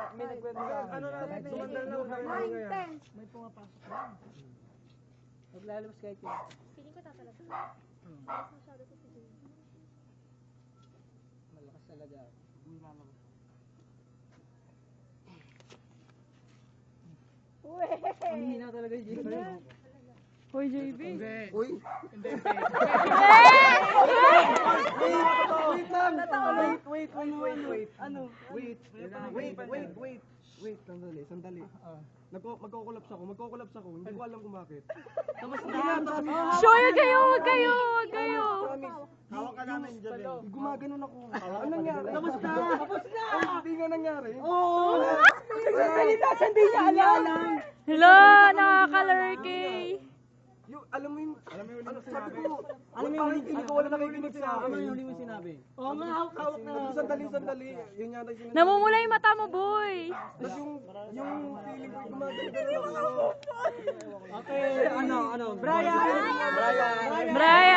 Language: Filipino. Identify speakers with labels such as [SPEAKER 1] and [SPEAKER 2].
[SPEAKER 1] may nagkwento sa akin.
[SPEAKER 2] Ano natin, sumandal na ulit.
[SPEAKER 3] 9, 10.
[SPEAKER 1] May pumapasok na. Maglalabas kahit yun.
[SPEAKER 4] Piling ko tatalab. Mas masyado ko si Jay.
[SPEAKER 1] Malakas talaga. Hindi lalabas.
[SPEAKER 3] Uwe.
[SPEAKER 1] Ang hina talaga yung JB.
[SPEAKER 3] Hoy, JB.
[SPEAKER 2] Uy!
[SPEAKER 1] Hindi,
[SPEAKER 2] Wait lang! Wait.
[SPEAKER 1] Ano?
[SPEAKER 2] Wait, sandali. Magkukulaps ako. Hindi ko alam kung bakit.
[SPEAKER 1] Tapos na.
[SPEAKER 3] Sure, wag kayo.
[SPEAKER 2] Promise.
[SPEAKER 1] Hawak ka namin dyan.
[SPEAKER 2] Gumaganon ako. Ano nangyari?
[SPEAKER 1] Tapos na.
[SPEAKER 2] Hindi nga nangyari.
[SPEAKER 1] Oo!
[SPEAKER 2] Hindi niya alam.
[SPEAKER 3] Hello, nakaka-lurky.
[SPEAKER 2] Alam mo yung ano sabi ko.
[SPEAKER 1] Alam mo yung
[SPEAKER 2] Hindi ko wala nakikinig sa akin.
[SPEAKER 1] Ano yung huli mo sinabi? Oo nga, hawak na.
[SPEAKER 2] Sandali. Yun yata yung sinabi.
[SPEAKER 3] Namumula yung mata mo, boy.
[SPEAKER 2] Tapos yung feeling ko gumagano ako.
[SPEAKER 1] Okay, ano? Brian!
[SPEAKER 3] Brian!